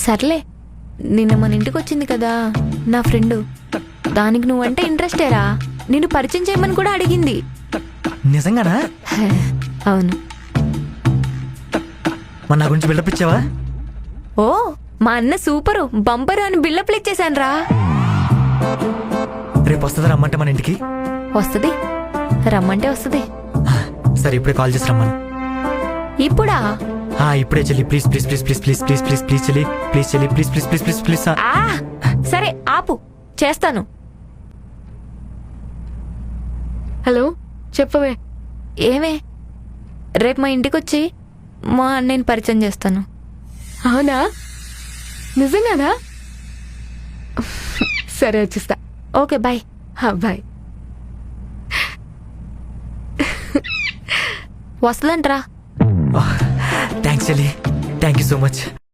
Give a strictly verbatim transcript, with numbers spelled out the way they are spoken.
సర్లే, నిన్న మన ఇంటికి వచ్చింది కదా నా ఫ్రెండ్, దానికి నువ్వంటే ఇంట్రెస్టేరా. నిన్ను పరిచయం చేయమని కూడా అడిగింది. నిజంగానా? హే, అవును. మన నా గురించి బిల్డప్ ఇచ్చావా? ఓ, మా అన్న సూపరు బంపరు అని బిల్డప్లు ఇచ్చేసాను రా. రేపు వస్తుందా రమ్మంటే మన ఇంటికి? వస్తుంది, రమ్మంటే వస్తుంది. సరే ఇప్పుడే కాల్ చేసి రమ్మను. ఇప్పుడా? ఆ, ఇప్పుడే చెల్లి, please please please please please please please please చెల్లి, ప్లీజ్ చెల్లి, please please please please please. ఆ, సరే ఆపు, చేస్తాను. హలో, చెప్పవే. ఏమే, రేపు మా ఇంటికి వచ్చి మా అన్నయ్యని పరిచయం చేస్తాను. అవునా? నిజంగానా? సరే వచ్చేస్తా. Okay, bye. బాయ్. వస్తుందంట్రా. థ్యాంక్స్ చెల్లి, థ్యాంక్ యూ సో మచ్.